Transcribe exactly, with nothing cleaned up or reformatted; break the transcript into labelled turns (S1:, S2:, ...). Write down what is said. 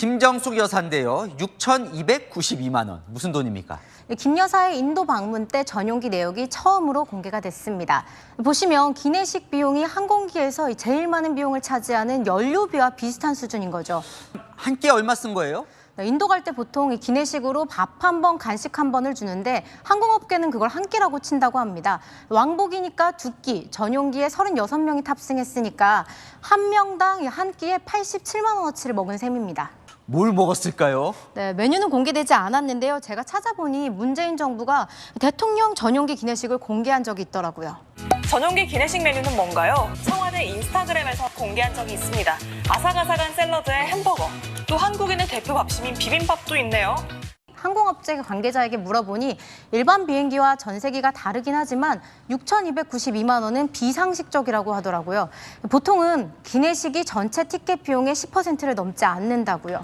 S1: 김정숙 여사인데요. 육천이백구십이만 원. 무슨 돈입니까?
S2: 김 여사의 인도 방문 때 전용기 내역이 처음으로 공개가 됐습니다. 보시면 기내식 비용이 항공기에서 제일 많은 비용을 차지하는 연료비와 비슷한 수준인 거죠.
S1: 한 끼 얼마 쓴 거예요?
S2: 인도 갈 때 보통 이 기내식으로 밥 한 번, 간식 한 번을 주는데 항공업계는 그걸 한 끼라고 친다고 합니다. 왕복이니까 두 끼, 전용기에 서른여섯 명이 탑승했으니까 한 명당 한 끼에 팔십칠만 원어치를 먹은 셈입니다.
S1: 뭘 먹었을까요?
S2: 네, 메뉴는 공개되지 않았는데요. 제가 찾아보니 문재인 정부가 대통령 전용기 기내식을 공개한 적이 있더라고요.
S3: 전용기 기내식 메뉴는 뭔가요? 청와대 인스타그램에서 공개한 적이 있습니다. 아삭아삭한 샐러드에 햄버거, 또 한국인의 대표 밥심인 비빔밥도 있네요.
S2: 항공업체 관계자에게 물어보니 일반 비행기와 전세기가 다르긴 하지만 육천이백구십이만 원은 비상식적이라고 하더라고요. 보통은 기내식이 전체 티켓 비용의 십 퍼센트를 넘지 않는다고요.